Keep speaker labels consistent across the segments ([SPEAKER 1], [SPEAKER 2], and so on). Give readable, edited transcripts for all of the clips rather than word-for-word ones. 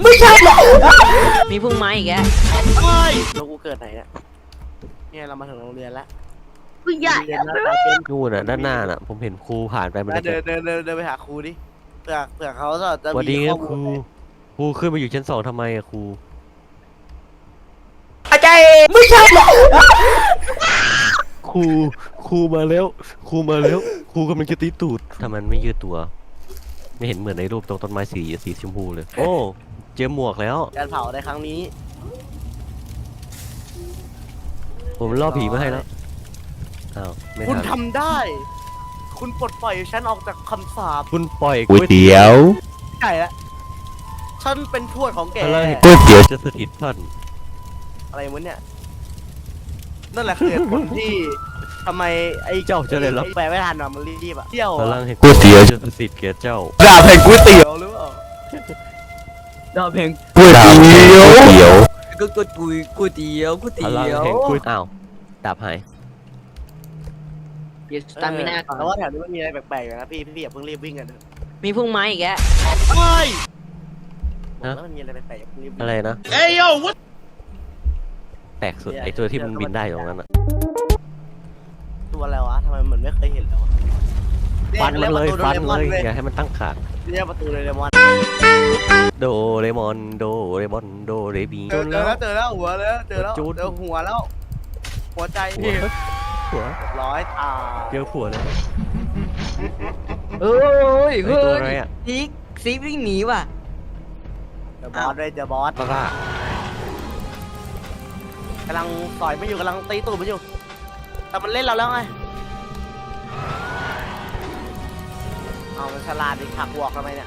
[SPEAKER 1] ไม่ใช่หรอ
[SPEAKER 2] มีพุ่งไม้อีกแก
[SPEAKER 1] เฮ้ยแล้วกูเกิดไหนเนี่ยเรามาถึงโรงเรียนแล้ว
[SPEAKER 3] ผู้ใหญ่
[SPEAKER 1] เรียนหน้าตาเป็น
[SPEAKER 4] นู่นน่ะด้านหน้าน่ะผมเห็นครูผ่านไปมัน
[SPEAKER 1] เดินไปหาครูดิเผื่อเขาจะ
[SPEAKER 4] วันนี้
[SPEAKER 1] มี
[SPEAKER 4] ค
[SPEAKER 1] ข้อ
[SPEAKER 4] รู
[SPEAKER 1] มูล
[SPEAKER 4] ครูขึ้นมาอยู่ชั้น 2ทำไมอะครู
[SPEAKER 1] อาจารย์ไม่ใช่หรอ
[SPEAKER 4] ครูมาแล้วครูมาแล้วครูกำลังจะตีตูดทำไมมันไม่ยืดตัว ไม่เห็นเหมือนในรูปตรงต้นไม้สีชมพูเลย โอ้เจอหมวกแล้ว
[SPEAKER 1] การเผาในครั้งนี้
[SPEAKER 4] ผมล่อผีมาให้แล้วอ้าวไม่
[SPEAKER 1] คุณ
[SPEAKER 4] ทัน
[SPEAKER 1] ทำได้ คุณปลดปล่อยฉันออกจากคำสาป
[SPEAKER 4] คุณปล่อย
[SPEAKER 5] ก๋วยเตี๋ยว
[SPEAKER 1] ใช่แล้วฉันเป็นทวดของแก
[SPEAKER 4] พลังแห่ง
[SPEAKER 5] ก๋วยเตี๋ยว
[SPEAKER 4] จะสถิตท่าน
[SPEAKER 1] อะไรวะเนี่ยนั่นแหละคือเหตุผลที่ทำไมไอ้
[SPEAKER 4] เจ้าจะได้รับ
[SPEAKER 1] แปลไม่ทันอ่ะมันรีบอ่ะเที่ยว
[SPEAKER 4] พ
[SPEAKER 1] อะ
[SPEAKER 4] ลังแห่ง
[SPEAKER 5] ก๋วยเตี๋ยว
[SPEAKER 4] จะสถิตแก่เจ้า
[SPEAKER 5] ดาบแห่งก๋วยเตี๋ยว
[SPEAKER 1] หรือเปล่า
[SPEAKER 2] ดาวเพลง
[SPEAKER 5] ก๋วยเตี๋ยว
[SPEAKER 2] ก็ก๋วยเตี๋ยวก๋วย
[SPEAKER 4] พ
[SPEAKER 2] เตี๋
[SPEAKER 4] ลัง
[SPEAKER 2] ยว
[SPEAKER 4] แห่งกุ้ยอ้าวดาบหาย
[SPEAKER 2] เดี๋ยวสตามิน่าก่อน
[SPEAKER 1] แต่ว่าแถวนี้มันมีอะไรแปลกๆอยู่นะพี่อย่าเพิ่งรีบวิ่งกันเถอะ
[SPEAKER 2] มีพุ่งไม้อีกแก
[SPEAKER 1] เฮ้ยบอกแล้วมันมีอะไรแปลกๆอย่าเพิ่งรีบวิ่ง
[SPEAKER 4] อะไรนะแปลกสุดไอตัวที่มันบินได้อยู่ตรงนั้นอะ
[SPEAKER 1] ตัวอะไรวะทำไมเหมือนไม่เคยเห็นเลยวะ
[SPEAKER 4] ฟันมันเลย
[SPEAKER 1] รีก
[SPEAKER 4] ฟัน
[SPEAKER 1] ประตู
[SPEAKER 4] เลยอย่าให้มันตั้งขาด
[SPEAKER 1] เรียกประตูโดเรมอน
[SPEAKER 4] โดเรมอนโดเรมอนโดเรมี
[SPEAKER 1] เจอแล้วหัวแล้วเจอแล้ว
[SPEAKER 4] จูด
[SPEAKER 1] เจอหัวแล้ว หัวใจ
[SPEAKER 4] หัวหัว
[SPEAKER 1] ร้อยตา
[SPEAKER 4] เจอหัวเลย
[SPEAKER 2] เฮ้ย
[SPEAKER 4] ไอ
[SPEAKER 2] เฮ้
[SPEAKER 4] ตัวอะไร
[SPEAKER 2] ย
[SPEAKER 4] อ่ะ
[SPEAKER 2] ซีวิ่งหนีว่ะ
[SPEAKER 1] เจอบอสเลยเจอบอส
[SPEAKER 4] บ้าก
[SPEAKER 1] ำลังต่อยไม่อยู่กำลังตีตูดไม่อยู่ แต่มันเล่นเราแล้วไงเอามันฉลาดดิขักวอกทำไมเนี่ย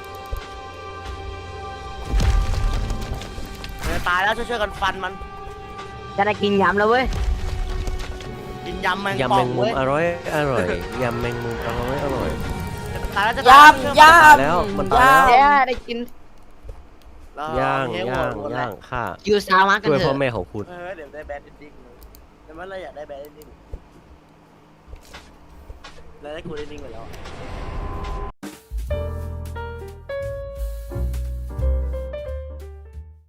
[SPEAKER 1] มันจะตายแล้วช่วยๆกันฟันมัน
[SPEAKER 2] จะได้กินยำแล้วเว้ย
[SPEAKER 1] กินยำแมง
[SPEAKER 4] ยำ
[SPEAKER 1] ป่
[SPEAKER 4] แม
[SPEAKER 1] อง
[SPEAKER 4] งมุ
[SPEAKER 1] เว้
[SPEAKER 4] ม
[SPEAKER 1] ย
[SPEAKER 4] อร่อยอร่อยยำแมงมุมอร่อยอร่อย
[SPEAKER 1] ตายแล้วจะ
[SPEAKER 3] ย
[SPEAKER 1] ตาย
[SPEAKER 3] ำย
[SPEAKER 4] ตายแล้วมันตาย
[SPEAKER 2] แก
[SPEAKER 4] แล้ว
[SPEAKER 2] ได้กิน
[SPEAKER 1] แล้ว
[SPEAKER 4] ย่าง
[SPEAKER 1] เฮ้
[SPEAKER 4] ย่าง
[SPEAKER 1] หมดแล้ว
[SPEAKER 4] ย่างฆ่า
[SPEAKER 2] ยูซามากัน
[SPEAKER 4] ช่วย
[SPEAKER 2] เถ
[SPEAKER 4] พ่อ
[SPEAKER 2] อะ
[SPEAKER 4] แม่ของคุณ
[SPEAKER 1] เดี๋ยวได้แบดเอนดิ้งเลยแต่เมื่อไรอยากได้แบดเอนดิ้งแล้วได้กูได้ดิ้งไปแล้ว